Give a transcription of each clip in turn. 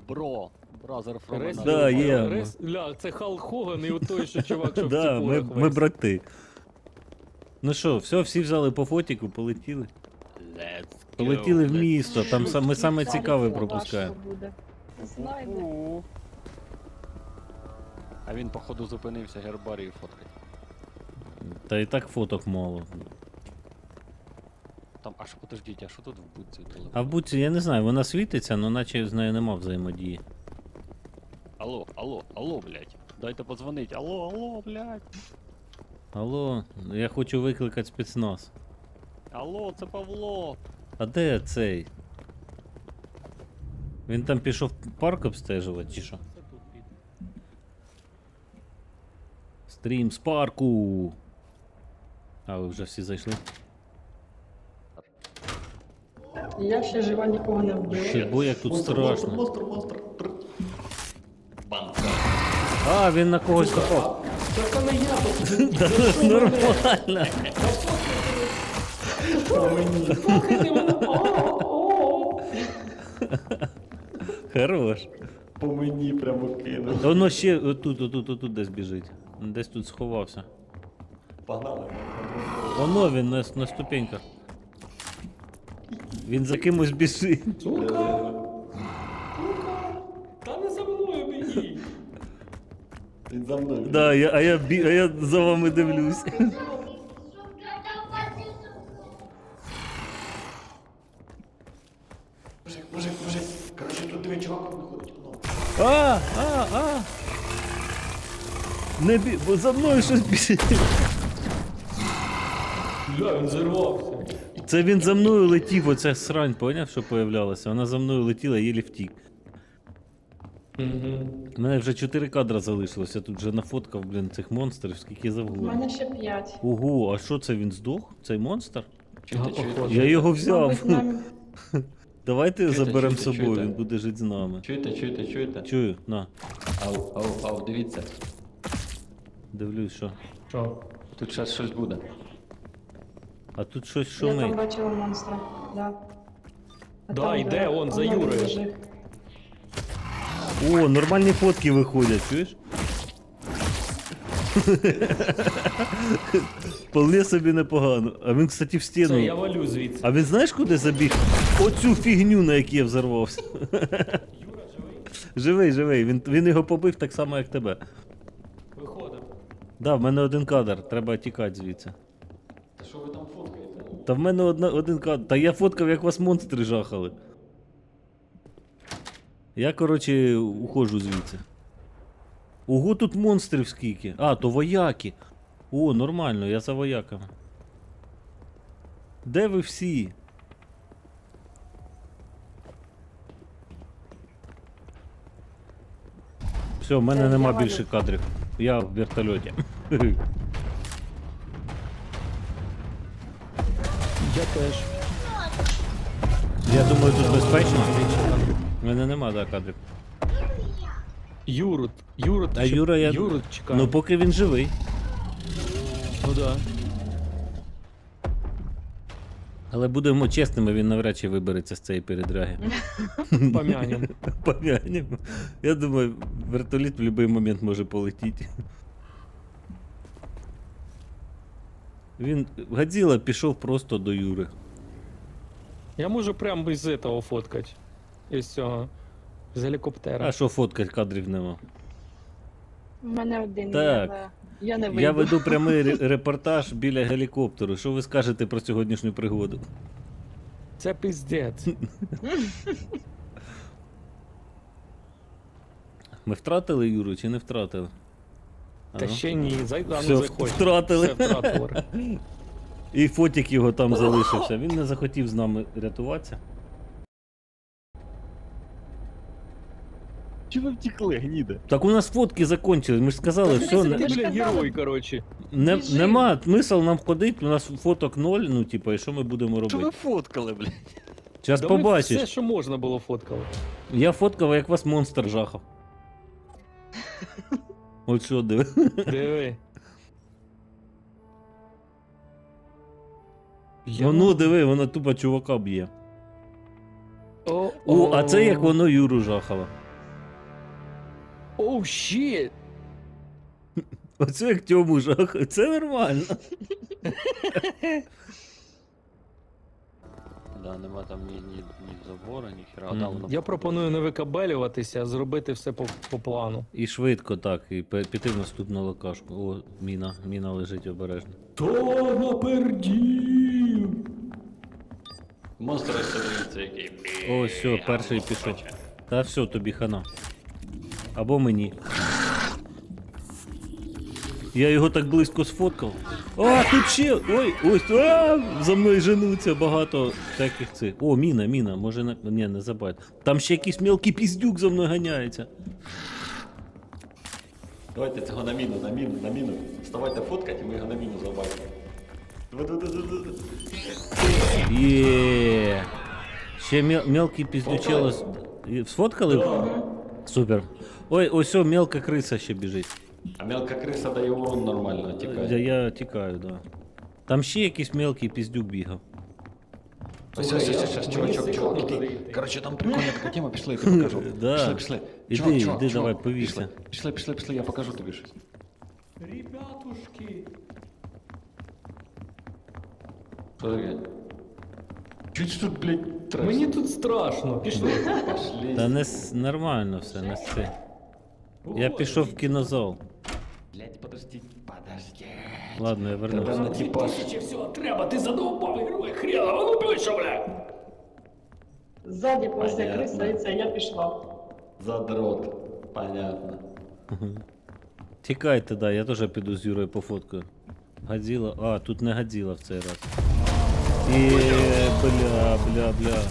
Бро, бразер from Рес- another Да, mother. є. Ля, це Халк Хоган і той, що чувак, що в Да, ціпурах ми весь. брати. Ну що, все, всі взяли по фотіку, полетіли. Let's go, Полетіли в let's місто, там shoot. ми саме цікаве Цариця пропускаємо. ваша буде. Знайде. У-у. А він, походу, зупинився гербарію фоткать. Та і так фоток мало. Там, а що, подождіть, а що тут в будці телефон? А в буці, я не знаю, вона світиться, але наче з нею нема взаємодії. Алло, алло, алло, блядь. Дайте подзвонить. Алло, алло, блядь. Алло, я хочу викликати спецназ. Алло, це Павло. А де цей? Він там пішов парк обстежувати, чи що? Стрім з парку. А, ви вже всі зайшли? Я ще жива, нікого не вбила. Бо як тут страшно. Монстр. Банка. А, він на когось напав. Це не я, Нормально. Слухайте мене. О-о-о. Хорош. По мені прямо кинув. Воно ще отут десь біжить. Десь тут сховався. Погнали. Воно він на ступеньках. Він за кимось біжить. Сука. Та не за мною біги. Він за мною. Да, а я за вами дивлюсь. Мужик. Короче, тут диви, чувак виходить. А! Не бі... бо за мною щось біжить. Бля, він зірвався. Це він за мною летів, оця срань, поняв, що появлялася? Вона за мною летіла, їлі втік. У мене вже 4 кадра залишилось, я тут вже нафоткав, блін, цих монстрів, скільки У завгодно. мене ще 5. Ого, а що це, він здох? Цей монстр? Чуєте? Я його взяв. Мабуть, нам... Давайте Чуєте, заберемо з чуєте, собою, чуєте? він буде жити з нами. Чуєте? Чую, на, Ау, дивіться. дивлюсь, що. Що? Тут зараз щось буде. А тут щось Я там шумить. бачила монстра. Да. А Да, там, йде, он, за воно Юрою. лежить. О, нормальні фотки виходять, чуєш? Вполне собі непогано. А він, кстати, в Це я стіну. валю звідси. А він знаєш, куди забіг? Оцю фігню, на якій я взорвався. Живий. Він його побив так само, як тебе. Виходимо. Да, в мене один кадр, треба тікати звідси. Та що ви там фоткаєте? Та в мене один кадр. Та я фоткав, як вас монстри жахали. Я, коротше, уходжу звідси. Ого, тут монстрів скільки. А, то вояки. О, нормально, я за вояками. Де ви всі? Все, в мене Я нема валю. більше кадрів. Я в вертольоті. Я теж. Я думаю, тут безпечно. У мене нема, да, кадрів. Юрут, А Юра, я... Юрут чекає. Ну, поки він живий. Ну да. Але будемо чесними, він навряд чи вибереться з цієї передряги. Помянем. Помянемо. Я думаю, вертоліт в будь-який момент може полетіти. Він, Годзіла пішов просто до Юри. Я можу прямо із этого фоткать. Із цього. З гелікоптера. А що фоткать, кадрів нема. У мене один. Так. Я не вийду. Я веду прямий репортаж біля гелікоптеру. Що ви скажете про сьогоднішню пригоду? Це пиздець. Ми втратили Юру чи не втратили? Та Ага. ще ні. Все, Заходь. втратили. Все втратили. І фотик його там залишився. Він не захотів з нами рятуватися. Чи ви втекли, гніде? Так у нас фотки закончились, ми ж сказали, все, Ти, Ти ж бля, казала. герой, короче. Біжи. нема смисл нам ходити, у нас фоток 0, ну типа, і що ми будемо Що ви робити? фоткали, блядь? Зараз Да ми побачиш. все, що можна було, фоткали. Я фоткав, як вас монстр жахав. От що, диви. Диви. Воно диви, воно тупо чувака б'є. О, О, а це як воно Юру жахало. Оу, щит! Оце як Тьому жах. Це нормально. Да, нема там ні забора, ні хера. Мгм. Да, воно Я пропоную не викабелюватися, а зробити все по плану. І швидко так, і піти в наступну локашку. О, міна. Міна лежить обережно. То напердів! Монстр ось дивіться, який. О, все, перший пішов. Та все, тобі хана. Або мені. Я його так близько сфоткав. А, тут ще! Ой, ось, за мною женуться багато всяких цих. О, міна, може на. Ні, не забудь. Там ще якийсь мелкий піздюк за мною ганяється. Давайте цього на міну. Вставайте фоткать, і ми його на міну забачимо. Є. Ще мелкий піздючело. Сфоткали? Супер. Ой, ось о, мелка криса ще біжить. А мелка криса дає урон нормально, тікає. Я тікаю, да. Там ще якийсь мелкий піздюк бігав. Ось, чувачок, іди. Короче, там прикольна така тема, пішли, я тобі покажу. Да. Пішли. Іди, давай, повісься. Пішли, я покажу тобі щось. Ребятушки! Що таке? Чуть тут, блядь, треш. Мені тут страшно, пішли. Пошли. Та нормально все, не це. Я пішов в кінозал. Блядь, подожди. Ладно, я Тебе вернувся. на типаж. всього треба, ти задовбав герой хрена, а ну ближче, бля! Ззаді повзе Понятно. криса, і це я пішла. Задрот. Понятно. Тікайте, да, я теж піду з Юрою пофоткаю. Годзіла. А, тут не Годзіла в цей раз. І бля.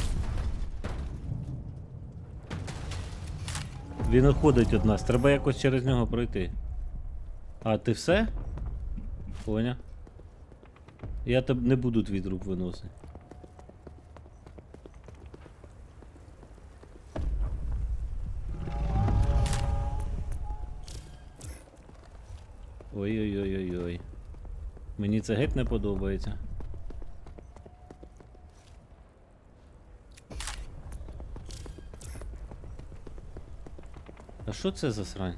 Він уходить від нас, треба якось через нього пройти. А, ти все? Поня. Я тебе не буду твій труп виносити. Ой-ой-ой-ой-ой. Мені це геть не подобається. А що це за срань?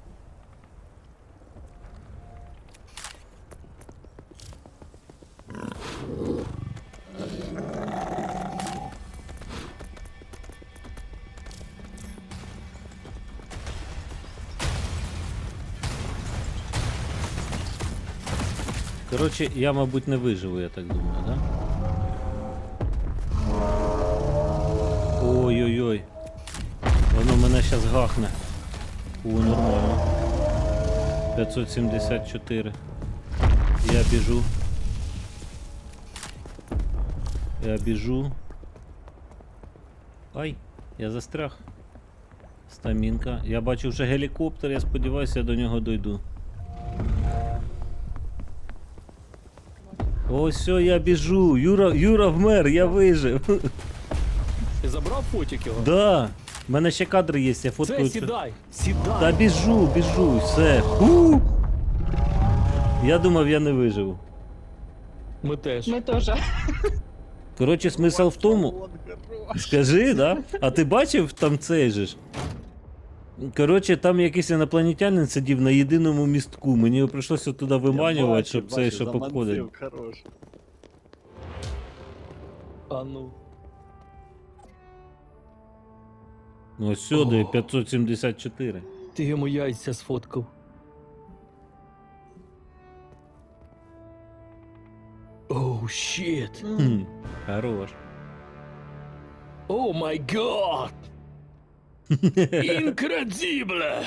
Коротше, я, мабуть, не виживу, я так думаю, да? Ой-ой-ой. Воно мене зараз гахне. О, нормально. 574. Я біжу. Ай, я застряг. Стамінка. Я бачу вже гелікоптер, я сподіваюся, я до нього дойду. Ось все, я біжу. Юра вмер, я вижив. Ти забрав фотик його? Да. У мене ще кадри є, я фоткаю. Це, це. сідай! Та біжу, все. Я думав, я не виживу. Ми теж. Ми теж. Коротше, смисл в тому. Скажи, да? А ти бачив там цей же ж? Коротше, там якийсь інопланетянин сидів на єдиному містку. Мені його прийшлося туди виманювати, щоб цей, щоб обходити. А ну. Ось сюди 574. Ти йому яйця сфоткав. Оу, щит. Хм, хорош. О май гад! Інкредибле!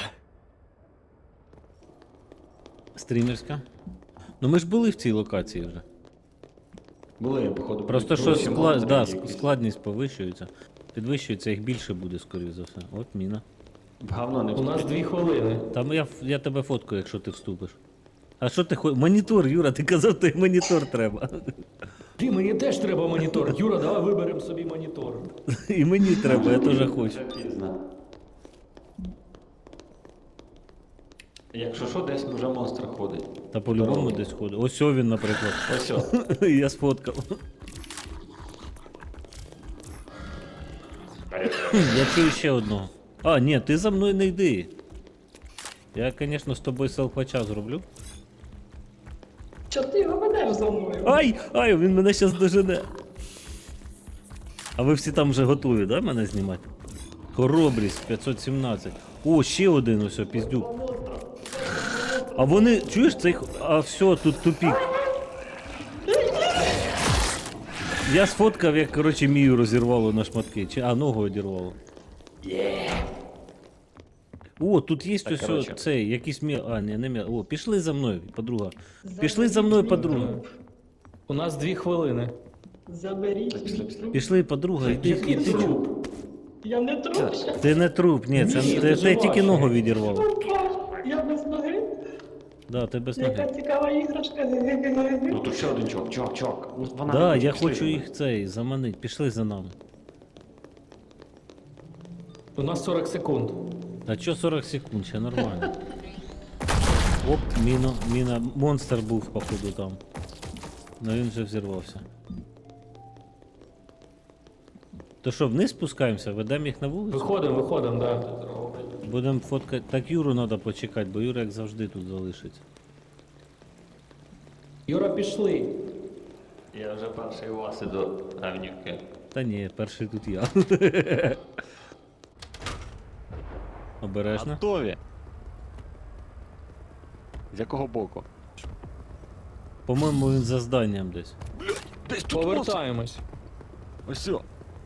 Стрімерська. Ну ми ж були в цій локації вже. Були, походу. Просто що просимо монстрів якісь. складність повищується. Підвищується, їх більше буде, скоріше за все. От міна. В говно не У нас вступить. 2 хвилини. Там я тебе фоткаю, якщо ти вступиш. А що ти хочеш? Монітор, Юра, ти казав, тобі монітор треба. Ти, мені теж треба монітор. Юра, давай виберемо собі монітор. І мені треба, я теж хочу. Вже пізно. Якщо що, десь вже монстр ходить. Та по-любому десь ходить. Ось о він, наприклад. Ось о. Я сфоткав. Я чую ще одного. А, ні, ти за мною не йди. Я, звісно, з тобою селфача зроблю. Чого ти його ведеш за мною? Ай! Ай, він мене зараз дожене. А ви всі там вже готові, да, мене знімати? Хоробрість 517. О, ще один ось, піздюк. А вони, чуєш, цей... А все, тут тупік. Я сфоткав, як, коротше, Мію розірвало на шматки. Чи, ногу одірвало. О, тут є ось коротше. цей, якийсь не м'я. О, пішли за мною, подруга. Пішли за мною, подруга. У нас 2 хвилини. Заберіть. Пішли, подруга, іди, Я не іди. труп. Я не труп ще. Ти не труп, ні, це Ні, ти ти жива тільки ще. ногу відірвало. Я без ноги. Да, ти без Яка ноги. цікава іграшка. Ну тут ще один чувак. Ну, вона Да, не я пішли хочу за їх цей заманити. Пішли за нами. У нас 40 секунд. А чо 40 секунд, ще нормально. Оп, міна. Монстр був, походу, там. Ну він вже взірвався. То що, вниз спускаємося, ведемо їх на вулицю? Виходимо, да. Будемо фоткати. Так Юру треба почекати, бо Юра як завжди тут залишиться. Юра, пішли. Я вже перший у вас іду, Авнівки. Та ні, перший тут я. Обережно. Готові. З якого боку? По-моєму, він за зданням десь. Десь тут Повертаємось. Ось все.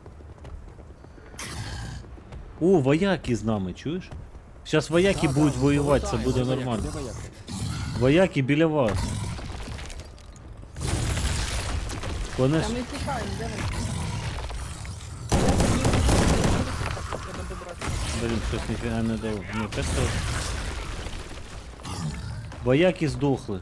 О, вояки з нами, чуєш? Зараз вояки будуть воювати, це буде нормально. Вояки біля вас. Вони ж... Та ми тікаємо, де ми? Блін, щось ніфіга не дав. Ні, просто... Вояки здохли.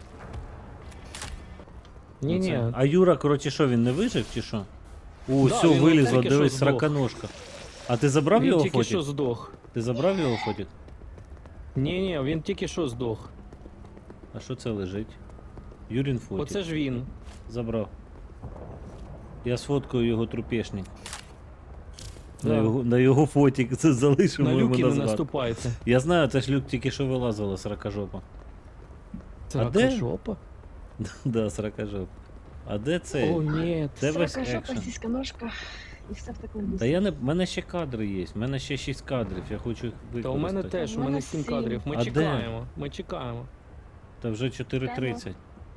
Ні-ні. Оце. А Юра, коротше, що, він не вижив чи що? О, Да, все, він вилізло, тільки дивись, що здох. сраканожка. А ти забрав Він його тільки що фотик? здох. Ти забрав його фотик? Ні, він тільки що здох. А що це лежить? Юрін фотик. Оце ж він. Забрав. Я сфоткаю його трупешник. Да. На його фотик це залишимо На йому люки на не згадку. наступайте. Я знаю, це ж люк тільки що вилазила сракажопа. Це де? жопа? Да, сракажоп. А де це? О, ні. Де весь Срака, жопа, екшен? сіська, ножка. І все в такому Та дусі. я не. В мене ще кадри є, в мене ще 6 кадрів, я хочу їх використати. Та у мене теж, у У мене мене 7 сім. кадрів. Ми А де? чекаємо. Ми чекаємо. Та вже 4:30.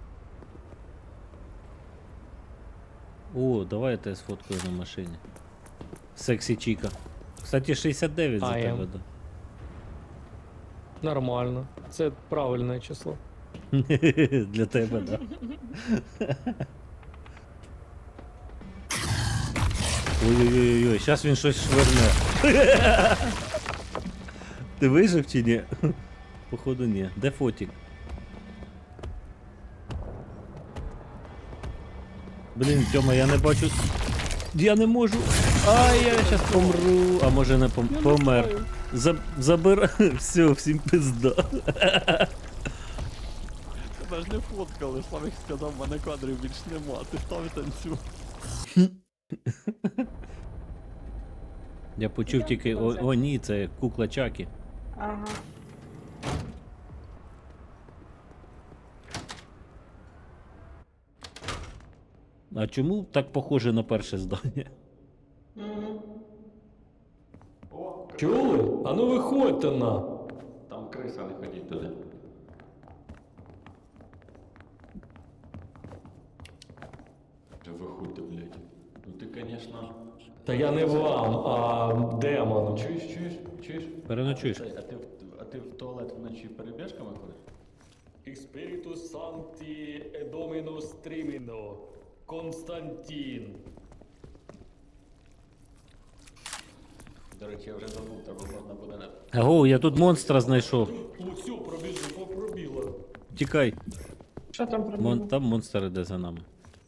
О, давай я тебе сфоткаю на машині. Сексі Чіка. Кстати, 69 за I am. тебе, да. Нормально. Це правильне число. Для тебе, да. Ой-ой-ой, зараз він щось шверне. Ти вижив чи ні? Походу ні. Де фотик? Блін, Тьома, я не бачу. Я не можу. Ай, я зараз помру. А може не помер. Забирай. Все, всім пизда. Тебе ж не фоткали, Славик сказав, в мене кадрів більш нема, ти став і танцюй. Я почув тільки. О, ні, це кукла Чакі. Ага. А чому так похоже на перше здання? Чули? А ну виходьте на. Там криса, не ходіть туди. Та виходьте, блядь. Ну ти, конечно... Та я не вам, а демону. Чуєш? Переночуєш. А ти в туалет вночі перебіжками ходиш? Спірітус Санкті Едомінус Тріміно. Константін. До речі, я вже забув, треба можна буде на... Аго, я тут монстра знайшов. Ну все, пробіло. Тікай. Що там про Там монстр іде за нами.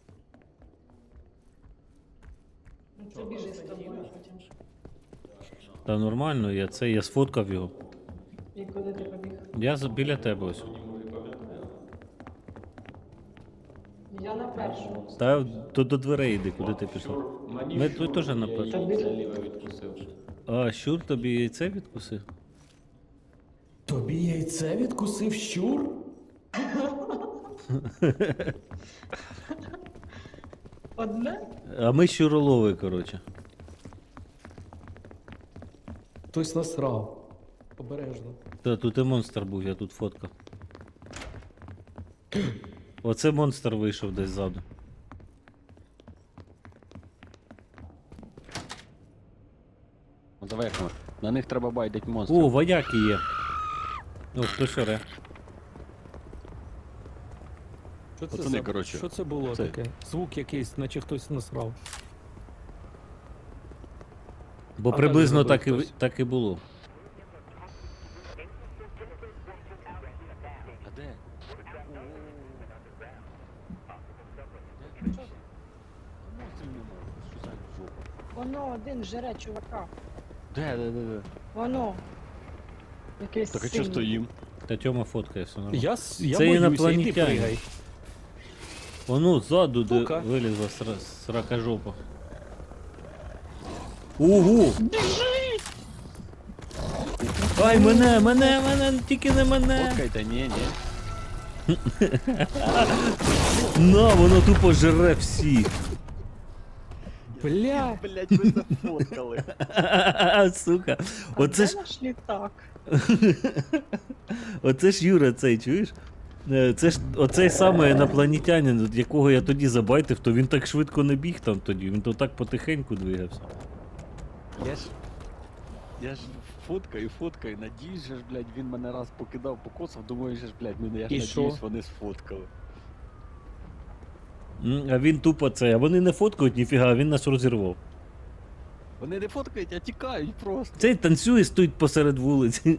Це біжи з тобою потім. Та нормально, я сфоткав його. І куди ти побіг? Я біля тебе ось. Я на першу. Та до дверей йди, куди ти пішов. Ми тут теж на першу. Яйця ліве відкусив. А, щур тобі яйце відкусив? Тобі Яйце відкусив щур? Одне? А ми щуролови, коротше. Хтось насрав. Обережно. Та тут і монстр був, я тут фоткав. Оце монстр вийшов десь ззаду. Ну, давай як ми. На них треба байдить монстрів. О, вояки є. О, хтось оре. Що це, Пацани, коротше, що це було це- таке? Звук якийсь, наче хтось насрав. Бо А приблизно далі так і, зробив хтось. так і було. А де? Монстрів немає. Що за жопа? Воно один жере чувака. Де? Воно. Якийсь Так а синій. чого стоїм? Та Тьома фоткає, все нормально. Я Це боюся, іди інопланетяни. пригай. Воно ззаду, де Ну-ка. вилізла срака жопа. Ого! Ай, мене, тільки не мене! Фоткайте, ні. На, воно тупо жре всіх. Бля. Блять, ви зафоткали. Сука. А Оце де ж, наш літак? оце ж Юра цей, чуєш? Це ж оцей самий інопланетянин, от якого я тоді забайтив, то він так швидко не біг там тоді, він то так потихеньку двигався. Я ж фоткаю, надіюсь, же ж, блядь, він мене раз покидав, покосав, думаю, же ж, блядь, я ж І надіюсь, що? вони сфоткали. А він тупо цей, а вони не фоткають ніфіга, а він нас розірвав. Вони не фоткають, а тікають просто. Цей танцює, стоїть посеред вулиці.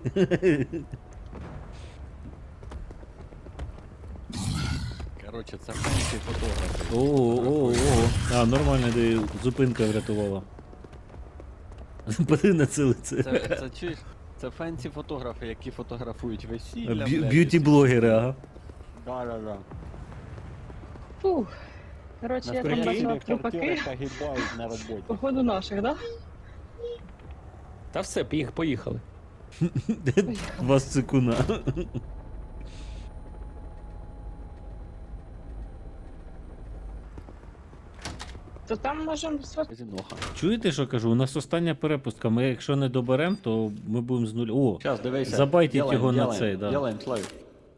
Коротше, це фенсі фотографи. О. А, нормально, де зупинка врятувала. Подиви на це лице. Це чуєш? Це фенсі фотографи, які фотографують весілля, блядь. Б'юті-блогери, ага. Да. Фух. Коротше, я там бачила трупаки. погибають на роботі. Походу наших, да? Та все, поїхали. Два цикуна. То там можемо Зіноха. Чуєте, що кажу? У нас остання перепустка. Ми якщо не доберемо, то ми будемо з нуля. О, Сейчас, дивися. Забайтіть Делаем, його на делаем, цей, да. Делаем, Славік.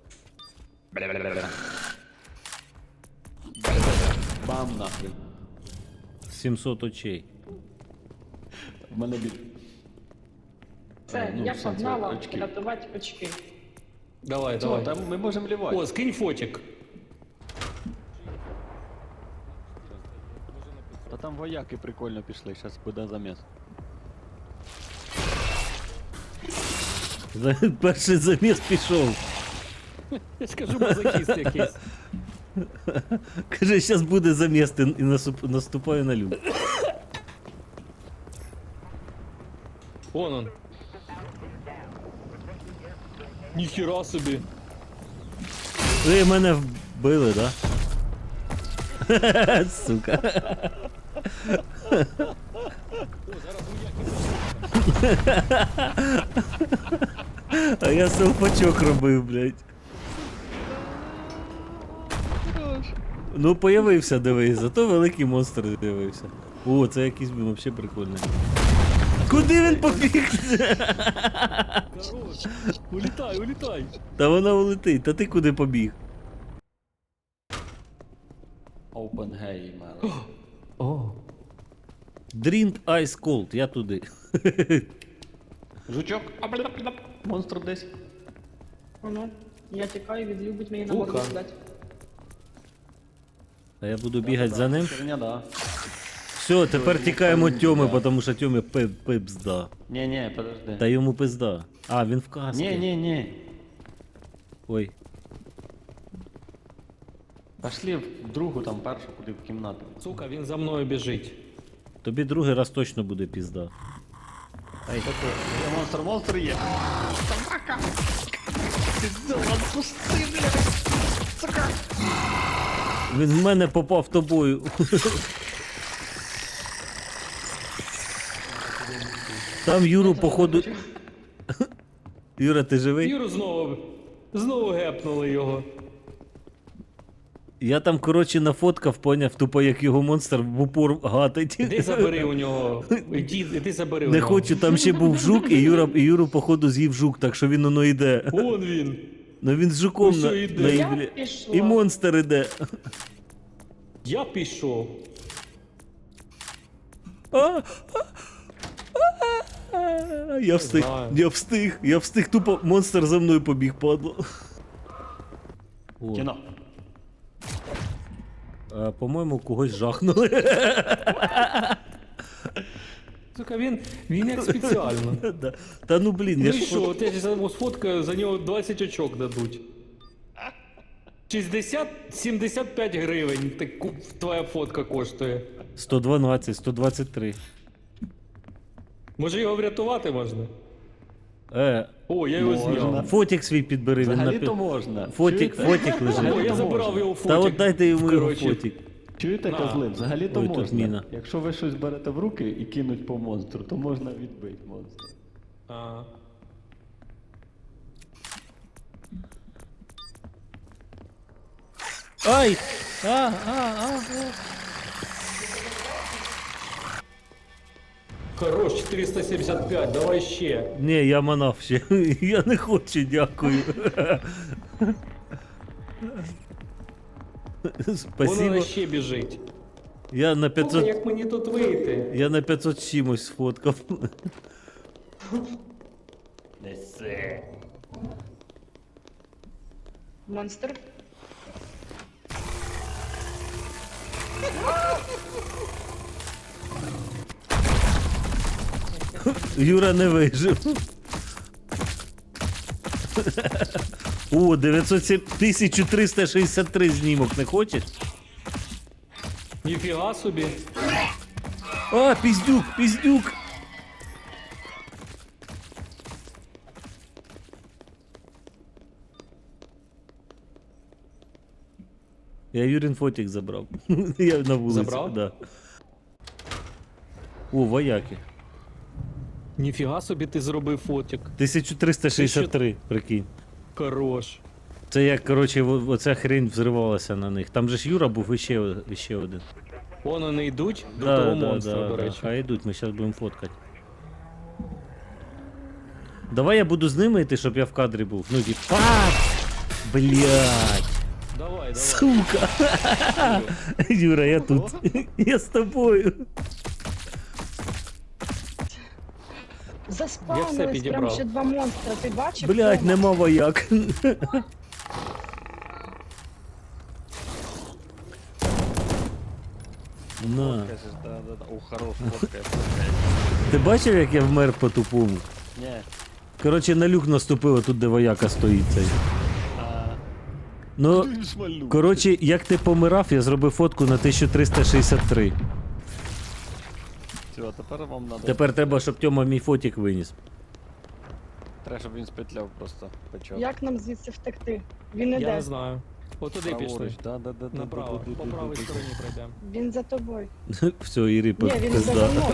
Бам нахрен. 700 очей. В мене біль. Це, Ну, я в сенсі, погнала очки. рятувати очки. Давай. Там ми можемо лівати. О, скинь фотик. Та там вояки прикольно пішли, зараз буде заміс. Перший заміс пішов. Я скажу, мазохіст якийсь. Каже, зараз буде заміс і наступаю на люк. Вон он. Ніхіра собі. Ви мене вбили, да? Сука. А я селфачок робив, блядь. Ну, появився, дивись, зато великий монстр з'явився. О, це якийсь він взагалі прикольний. Куди він побіг? Хорош. Улітай. Та вона улетить, та ти куди побіг? Open Gamer. О. Drink Ice Cold, я туди. Жучок. Монстр десь. Воно. Я тікаю, він любить мені на Фуха. морду дати. А я буду бігати за ним. Херня, да. Все, тепер тікаємо Тьоми, тому що Тьомі пизда. Не, подожди. Та йому пизда. А, він в касці. Не. Ой. Пошли в другу, там першу, куди в кімнату. Сука, він за мною біжить. Тобі другий раз точно буде пізда. Є монстр є. Собака! Пиздец, отпусти, блядь! Він в мене попав тобою. Там Юру, походу. Юра, ти живий? Юру знову гепнули його. Я там, коротше, нафоткав, поняв, тупо як його монстр в упор гатить. Іди забери у нього. Іди забери у Не нього. хочу, там ще був жук, і Юру, походу, з'їв жук, так що він воно йде. Вон він. Ну він з жуком Ось йде. на Я іглі. пішла. І монстр іде. Я пішов. Я встиг, тупо монстр за мною побіг, падло. О, Кіно. по-моєму, когось жахнули. Сука, він як спеціально. Да. Та ну блін, Ну я і ж що, от я зараз сфоткаю, за нього 20 очок дадуть. 60-75 гривень твоя фотка коштує. 112, 123. Може його врятувати можна? Е, О, я його Можна. зняв. фотик свій підбери, він Взагалі-то напи- можна. Фотик Чуєте? лежить. О, я Взагалі-то забрав можна. його фотик. Та от дайте йому його Коротше, фотик. Чуєте, На. козли? Взагалі-то Ой, тут можна. міна. Якщо ви щось берете в руки і кинуть по монстру, то можна відбити монстра. А. Ай! Хорош, 475, давай ще. Ні, я манав ще. Я не хочу, дякую. Вона Спасибо. ще біжить. Я на О, 500... як мені тут вийти? Я на 500 з чимось сфоткав. Неси. Монстр. Юра не вижив. О, 1363 знімок, не хочеш? Ніфіга собі. А, піздюк! Я Юрін фотик забрав. Я на вулиці. Забрав? Да. О, вояки. Ніфіга собі ти зробив фотик. 1363, прикинь. Хорош. Це як, коротше, оця хрень взривалася на них. Там же ж Юра був іще один. Вон вони йдуть до того монстра, до речі. Хай йдуть, ми зараз будемо фоткати. Давай я буду з ними йти, щоб я в кадрі був. Ну, типа. Блядь. Давай. Сука. Юра, я тут. Я з тобою. Я все Заспавнились прям підібрав. ще два монстра, ти бачив? Блядь, Тома? нема вояк. На. Кажеш, да. О, хорош, фоткає. Ти бачив, як я вмер по тупому? Ні. Коротше, на люк наступило тут, де вояка стоїть цей. Ну, Він шмальнув. коротше, як ти помирав, я зробив фотку на 1363. Все, тепер вам надо. Тепер треба, щоб Тьома мій фотик виніс. Треба, щоб він спетляв просто. Почав. Як нам звідси втекти? Він Я іде. не знаю. От туди пішли. Праворуч, да. Направо, по правій стороні пройдемо. Він за тобою. Все, Ірі, Ні, він за пизда. мною.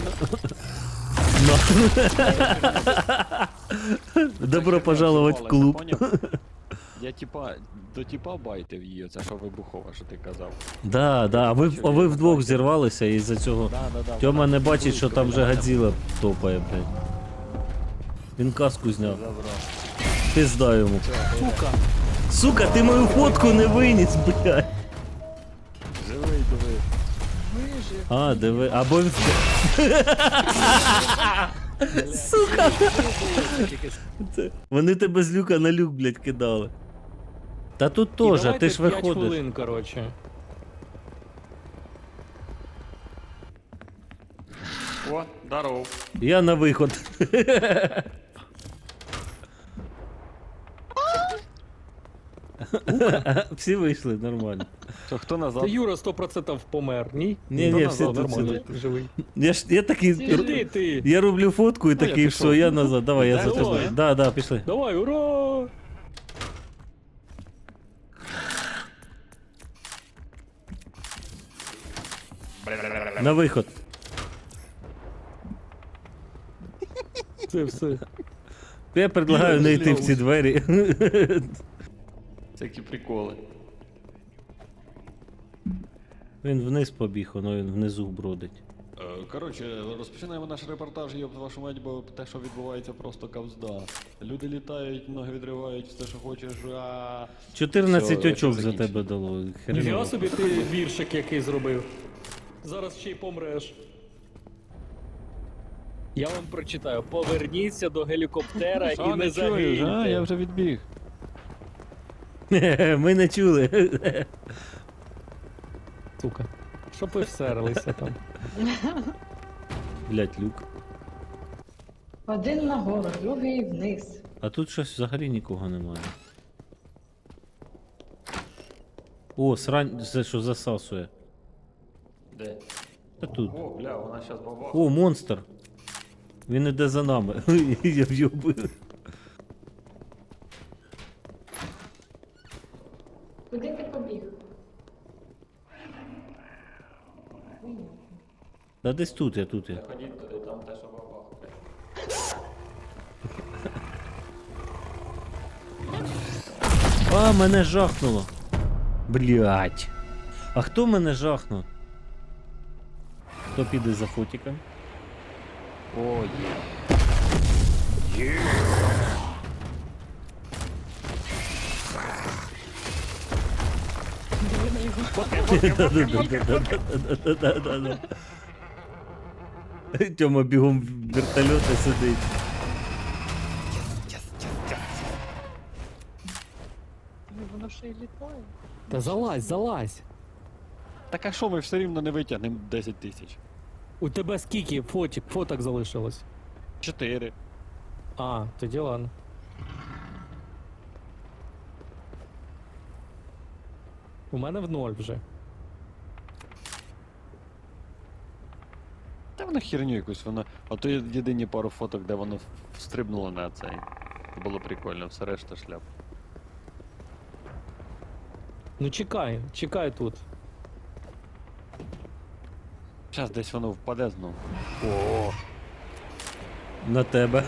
Добро пожаловать в клуб. Я до типа байтив її, оце що вибухова, що ти казав. Да, а ви вдвох зірвалися і за цього. Да. Тьома вона не бачить, що там вже близько Годзіла топає, блядь. Він каску зняв. забрав. Пизда йому. Сука, ти мою фотку не виніс, блядь. Живий, диви. А, диви, або він... Сука! Вони тебе з люка на люк, блядь, кидали. Та тут І теж, давайте ти ж 5 виходиш. хвилин, коротше. О, здоров. Я на виход. Всі вийшли, нормально. Що, хто назад? Та Юра 100% помер, ні? Ні, Ну, ні, назад, всі тут нормально, сидять. живий. Я такий. Іди ти. Я роблю фотку і Ну, я такий, пішов. все, я назад. Давай, я за Давай. тобою. Да, пішли. Давай, ура! На виход. Це все. Я предлагаю не йти в ці двері. Всякі приколи. Він вниз побіг, воно він внизу бродить. Коротше, розпочинаємо наш репортаж, йоб вашу мать, бо те, що відбувається, просто кавзда. Люди літають, ноги відривають, все, що хочеш, 14 Всьо, очок за закінчено. тебе дало. Я Хреново. собі ти віршик який зробив. Зараз ще й помреш. Я вам прочитаю. Поверніться до гелікоптера і Що, не не чуєш, а? Я загиньте. вже відбіг. Ми не чули. Сука. Щоб ви всерлися там. Блять, люк. Один нагору, другий вниз. А тут щось взагалі нікого немає. О, срань, це що засасує. Де? Та тут. О, бля, вона щас бабах. О, монстр. Він іде за нами. Я в'юбив. Куди ти побіг? Та десь тут я, тут я. Ходіть туди, там те, що бабах. А, мене жахнуло. Блять. А хто мене жахнув? Хто піде за фотиком? О, є. Да-да-да-да-да-да-да-да. Тьома бігом в вертольоті сидить. Воно ще й літає. Та залазь, залазь. Так а що ми все рівно не витягнемо 10 тисяч? У тебе скільки фоток залишилось? 4. А, тоді ладно. У мене в 0 вже. Та воно херню якусь, воно. А то є єдині пару фоток, де воно встрибнуло на цей. Це було прикольно, все решта шляп. Ну чекай, чекай тут. Зараз десь воно впаде знову. На тебе.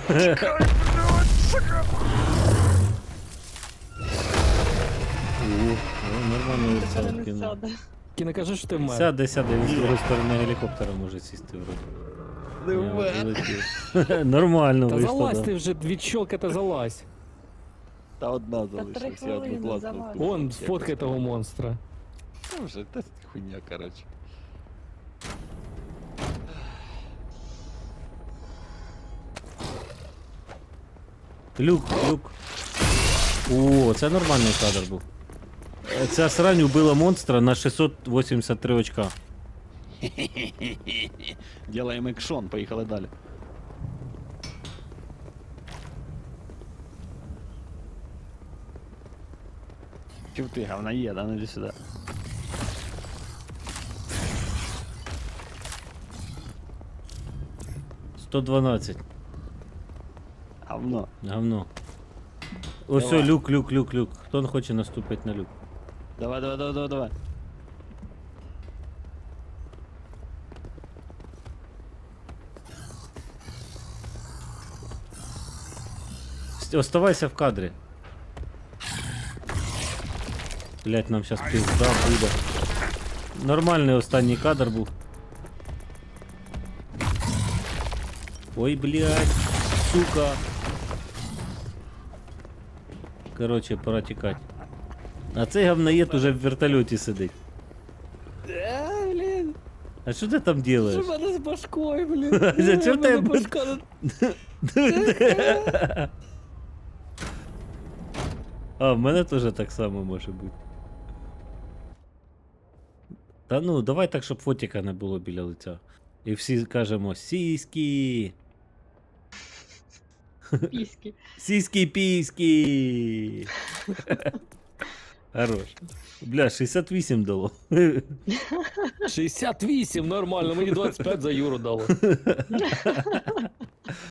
Нормально Тепер лице не кинув. сяде. Ті не кажи, що ти вмер. Сяде, він з другої сторони гелікоптера може сісти вроді. Не Я вмер. полетів. Нормально Та вийшло, залазь да. ти вже від щолка та залазь. Та одна 3 залишилась, я одну хвилини класну. залазь. Вон, сфоткай того монстра. Ну вже, та хуйня, коротше. Люк. О, це нормальний кадр був. Ця срань убила монстра на 683 очка. Ділаємо екшон, поїхали далі. Чув ти, говноєд, а ну іди сюди. — 112. Говно. Говно. Ось Давай. люк. Хто не хоче наступити на люк? Давай. Оставайся в кадрі. Блять, нам сейчас пизда буде. Нормальний останній кадр був. Ой, блять, сука. Короче, пора тікати. А цей говноєд уже в вертольоті сидить. Блін, А що ти там делаєш? що в мене з башкою, блін? Зачем В мене ти- башка... А, в мене теж так само може бути. Та ну, давай так, щоб фотика не було біля лиця. І всі кажемо сіськи. Піськи. Сіськи-піськи. Хорош. Бля, 68 дало. 68, нормально, мені 25 за Юру дало.